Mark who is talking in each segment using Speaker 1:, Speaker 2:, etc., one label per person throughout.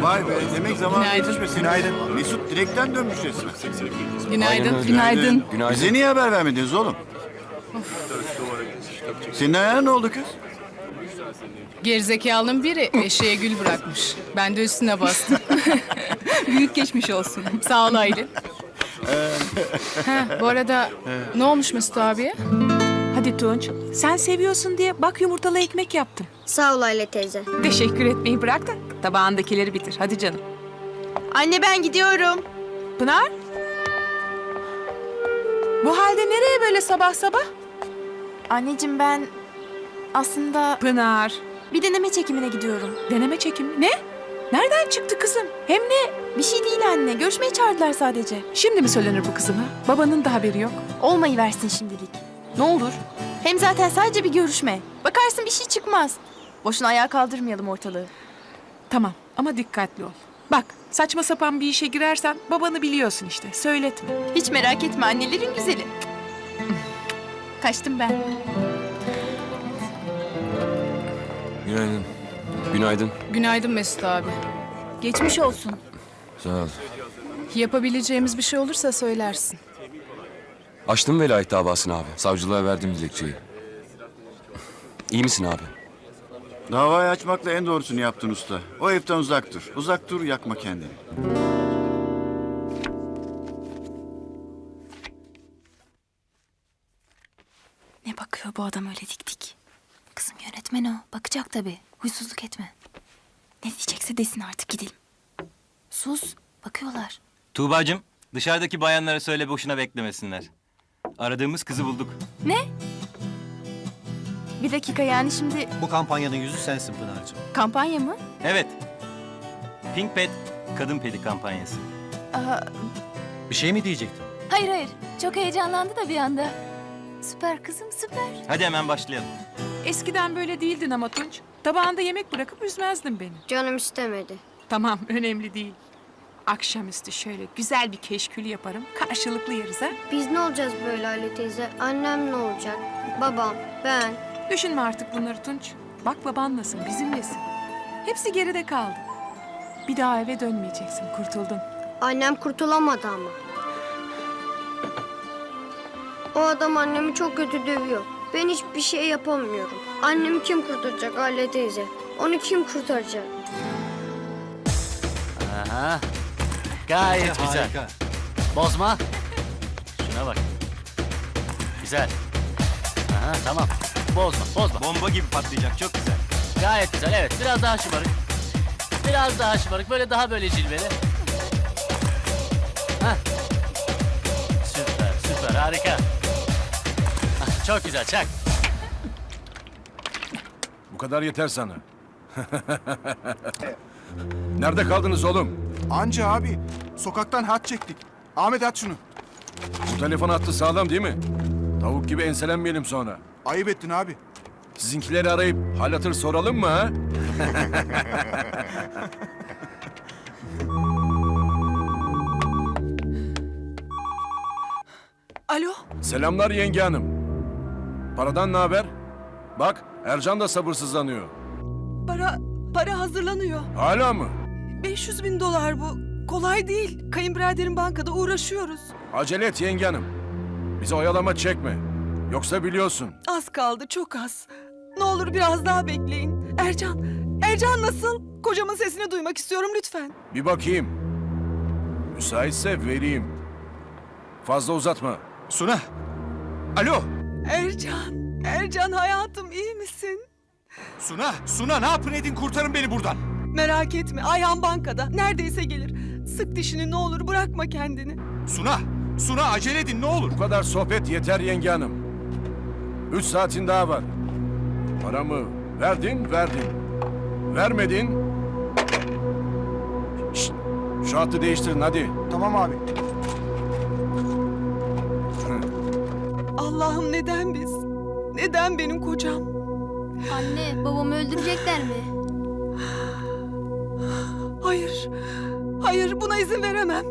Speaker 1: Vay be, demek zaman
Speaker 2: Günaydın.
Speaker 1: geçmiş. Günaydın. Mesut direkten dönmüş resmen.
Speaker 2: Günaydın. Günaydın.
Speaker 1: Bize niye haber vermediniz oğlum? Senin ayağına ne oldu kız?
Speaker 2: Gerizekalının biri eşeğe gül bırakmış. Ben de üstüne bastım.
Speaker 3: Büyük geçmiş olsun.
Speaker 2: Sağ ol Aylin. Bu arada ne olmuş Mesut abiye?
Speaker 3: Hadi Tunç, sen seviyorsun diye bak yumurtalı ekmek yaptım.
Speaker 4: Sağ ol Aile teyze.
Speaker 3: Teşekkür etmeyi bırak da tabağındakileri bitir. Hadi canım.
Speaker 4: Anne ben gidiyorum.
Speaker 3: Pınar? Bu halde nereye böyle sabah sabah?
Speaker 5: Anneciğim ben aslında
Speaker 3: Pınar.
Speaker 5: bir deneme çekimine gidiyorum.
Speaker 3: Deneme çekimi. Ne? Nereden çıktı kızım? Hem ne?
Speaker 5: Bir şey değil anne. Görüşmeye çağırdılar sadece.
Speaker 3: Şimdi mi söylenir bu kızıma? Babanın da haberi yok.
Speaker 5: Olmayı versin şimdilik. Ne olur. Hem zaten sadece bir görüşme. Bakarsın bir şey çıkmaz. Boşuna ayağa kaldırmayalım ortalığı.
Speaker 3: Tamam ama dikkatli ol. Bak saçma sapan bir işe girersen babanı biliyorsun işte. Söyletme.
Speaker 5: Hiç merak etme annelerin güzeli. Kaçtım ben.
Speaker 6: Günaydın. Günaydın.
Speaker 2: Günaydın Mesut abi.
Speaker 5: Geçmiş olsun.
Speaker 6: Sağ ol.
Speaker 2: Yapabileceğimiz bir şey olursa söylersin.
Speaker 6: Açtım velayet davasını abi. Savcılığa verdim dilekçeyi. İyi misin abi?
Speaker 1: Davayı açmakla en doğrusunu yaptın usta. O evden uzak dur. Uzak dur, yakma kendini.
Speaker 5: Ne bakıyor bu adam öyle dik dik? Kızım yönetmen o. Bakacak tabii. Huysuzluk etme. Ne diyecekse desin artık gidelim. Sus. Bakıyorlar.
Speaker 7: Tuğbacığım, dışarıdaki bayanlara söyle boşuna beklemesinler. Aradığımız kızı bulduk.
Speaker 5: Ne? Bir dakika yani şimdi
Speaker 8: Bu kampanyanın yüzü sensin Pınar'cığım.
Speaker 5: kampanya mı?
Speaker 7: Evet. Pink Pet Kadın Pedi kampanyası.
Speaker 5: Aa,
Speaker 8: Bir şey mi diyecektin?
Speaker 5: hayır hayır. Çok heyecanlandı da bir anda. Süper kızım süper.
Speaker 7: Hadi hemen başlayalım.
Speaker 3: Eskiden böyle değildin ama Tunç. Tabağında yemek bırakıp üzmezdin beni.
Speaker 4: Canım istemedi.
Speaker 3: Tamam önemli değil. Akşamüstü şöyle güzel bir keşkül yaparım. Karşılıklı yeriz ha.
Speaker 4: Biz ne olacağız böyle Aile teyze? Annem ne olacak? Babam, ben.
Speaker 3: Düşünme artık bunları Tunç. Bak babanlasın, bizimlesin. Hepsi geride kaldı. Bir daha eve dönmeyeceksin, kurtuldun.
Speaker 4: Annem kurtulamadı ama. O adam annemi çok kötü dövüyor. Ben hiçbir şey yapamıyorum. Annemi kim kurtaracak Aile teyze? Onu kim kurtaracak?
Speaker 9: Aha. Gayet güzel.
Speaker 8: Harika.
Speaker 9: Bozma. Şuna bak. Güzel. Aha, tamam. Bozma, bozma.
Speaker 7: Bomba gibi patlayacak, çok güzel.
Speaker 9: Gayet güzel, evet. Biraz daha şımarık. Biraz daha şımarık. Böyle daha böyle cilveli. Hah. Süper, süper. Harika. Hah, çok güzel, çak.
Speaker 10: Bu kadar yeter sana. Nerede kaldınız oğlum?
Speaker 11: Anca abi. Sokaktan hat çektik. Ahmet at şunu.
Speaker 10: Bu telefon hattı sağlam değil mi? Tavuk gibi enselenmeyelim sonra.
Speaker 11: Ayıp ettin abi.
Speaker 10: Sizinkileri arayıp hal hatır soralım mı ha?
Speaker 3: Alo?
Speaker 10: Selamlar yenge hanım. Paradan ne haber? Bak Ercan da sabırsızlanıyor.
Speaker 3: Para hazırlanıyor.
Speaker 10: Hala mı?
Speaker 3: 500.000 dolar bu. Kolay değil. Kayınbiraderin bankada uğraşıyoruz.
Speaker 10: Acele et yenge hanım. Bizi oyalama çekme. Yoksa biliyorsun.
Speaker 3: Az kaldı, çok az. Ne olur biraz daha bekleyin. Ercan nasıl? Kocamın sesini duymak istiyorum lütfen.
Speaker 10: Bir bakayım. Müsaitse vereyim. Fazla uzatma.
Speaker 11: Suna. Alo.
Speaker 3: Ercan hayatım iyi misin?
Speaker 11: Suna ne yapın edin kurtarın beni buradan.
Speaker 3: Merak etme, Ayhan bankada. Neredeyse gelir. Sık dişini ne olur, bırakma kendini.
Speaker 11: Suna acele edin ne olur.
Speaker 10: Bu kadar sohbet yeter yenge hanım. 3 saatin daha var. Paramı verdin. Vermedin. Şşt, şu hattı değiştirin hadi.
Speaker 11: Tamam abi.
Speaker 3: Allah'ım neden biz? Neden benim kocam?
Speaker 4: Anne, babamı öldürecekler mi?
Speaker 3: Hayır buna izin veremem.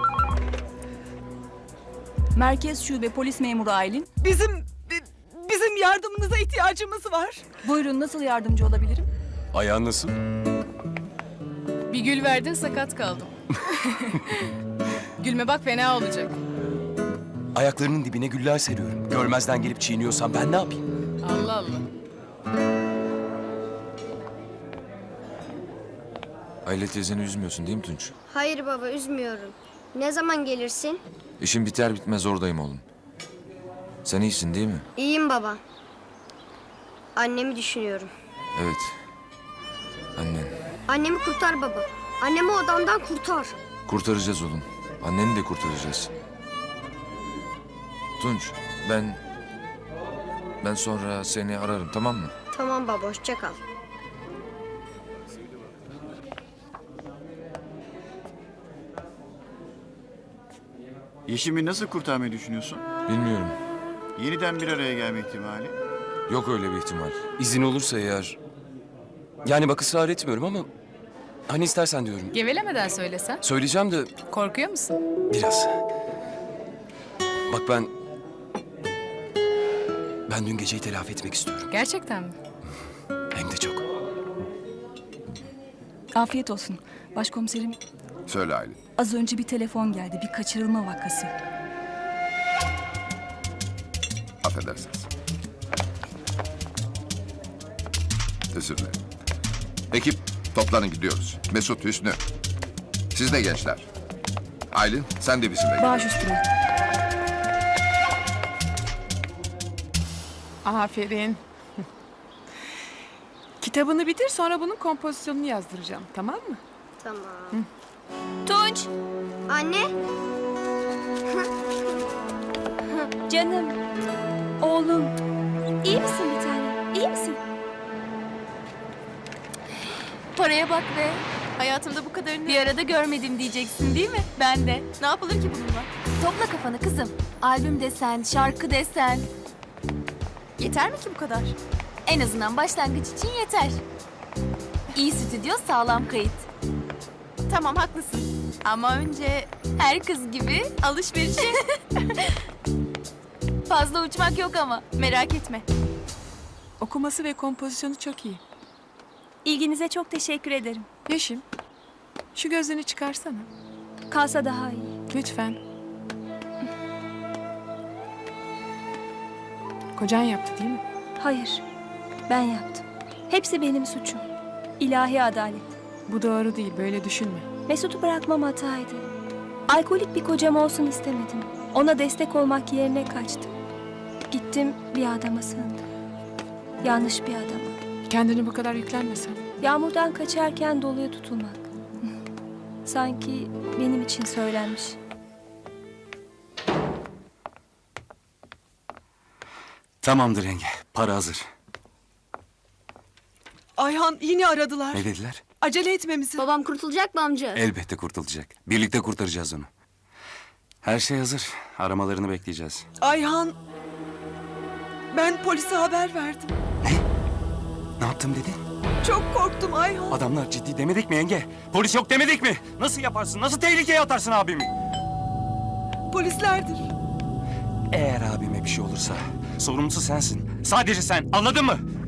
Speaker 5: Merkez Şube Polis Memuru Aylin.
Speaker 3: Bizim yardımınıza ihtiyacımız var.
Speaker 2: Buyurun, nasıl yardımcı olabilirim?
Speaker 6: Ayağın nasıl?
Speaker 2: Bir gül verdin, sakat kaldım. Gülme bak, fena olacak.
Speaker 6: Ayaklarının dibine güller seriyorum. Görmezden gelip çiğniyorsan ben ne yapayım?
Speaker 2: Allah Allah.
Speaker 12: Aile teyzeni üzmüyorsun değil mi Tunç?
Speaker 4: Hayır baba, üzmüyorum. Ne zaman gelirsin?
Speaker 12: İşim biter bitmez oradayım oğlum. Sen iyisin değil mi?
Speaker 4: İyiyim baba. Annemi düşünüyorum.
Speaker 12: Evet. Annen.
Speaker 4: Annemi kurtar baba. Annemi odamdan kurtar.
Speaker 12: Kurtaracağız oğlum. Anneni de kurtaracağız. Tunç, ben sonra seni ararım, tamam mı?
Speaker 4: Tamam baba, hoşça kal.
Speaker 1: Yeşim'i nasıl kurtarmayı düşünüyorsun?
Speaker 12: Bilmiyorum.
Speaker 1: Yeniden bir araya gelme ihtimali.
Speaker 12: Yok öyle bir ihtimal.
Speaker 6: İzin olursa eğer... Yani bak ısrar etmiyorum ama... Hani istersen diyorum.
Speaker 2: Gevelemeden söylesen.
Speaker 6: Söyleyeceğim de
Speaker 2: Korkuyor musun?
Speaker 6: biraz. Bak ben dün geceyi telafi etmek istiyorum.
Speaker 2: Gerçekten mi?
Speaker 6: Hem de çok.
Speaker 2: Afiyet olsun. Başkomiserim,
Speaker 10: Söyle Aylin.
Speaker 2: az önce bir telefon geldi. Bir kaçırılma vakası.
Speaker 10: Affedersiniz. Özür dilerim. Ekip toplanın, gidiyoruz. Mesut, Hüsnü. Siz de gençler. Aylin, sen de bizimle gel.
Speaker 2: Baş üstüne.
Speaker 3: Aferin. Kitabını bitir, sonra bunun kompozisyonunu yazdıracağım. Tamam mı?
Speaker 4: Tamam.
Speaker 5: Tunç,
Speaker 4: Anne,
Speaker 5: canım, oğlum. İyi misin bir tanem? İyi misin? Paraya bak be. Hayatımda bu kadarını bir arada görmedim diyeceksin değil mi? Ben de. Ne yapılır ki bununla? Topla kafanı kızım. Albüm desen, şarkı desen. Yeter mi ki bu kadar? En azından başlangıç için yeter. İyi stüdyo, sağlam kayıt. Tamam, haklısın. Ama önce her kız gibi alışverişe. Fazla uçmak yok ama. Merak etme.
Speaker 3: Okuması ve kompozisyonu çok iyi.
Speaker 5: İlginize çok teşekkür ederim.
Speaker 3: Yeşim, şu gözlüğünü çıkarsana.
Speaker 5: Kalsa daha iyi.
Speaker 3: Lütfen. Kocan yaptı değil mi?
Speaker 5: Hayır, ben yaptım. Hepsi benim suçum. İlahi adalet.
Speaker 3: Bu doğru değil, böyle düşünme.
Speaker 5: Mesut'u bırakmam hataydı. Alkolik bir kocam olsun istemedim. Ona destek olmak yerine kaçtım. Gittim bir adama sığındım. Yanlış bir adama.
Speaker 3: Kendini bu kadar yüklenmesen.
Speaker 5: Yağmurdan kaçarken doluya tutulmak. Sanki benim için söylenmiş.
Speaker 6: Tamamdır yenge. Para hazır.
Speaker 3: Ayhan, yine aradılar.
Speaker 6: Ne dediler?
Speaker 3: Acele etmemizi.
Speaker 4: babam kurtulacak mı amca?
Speaker 6: Elbette kurtulacak. Birlikte kurtaracağız onu. Her şey hazır. Aramalarını bekleyeceğiz.
Speaker 3: Ayhan, ben polise haber verdim.
Speaker 6: Ne yaptım dedin?
Speaker 3: Çok korktum Ayhan.
Speaker 6: Adamlar ciddi demedik mi yenge? Polis yok demedik mi? Nasıl yaparsın? Nasıl tehlikeye atarsın abimi?
Speaker 3: Polislerdir.
Speaker 6: Eğer abime bir şey olursa sorumlusu sensin. Sadece sen. Anladın mı?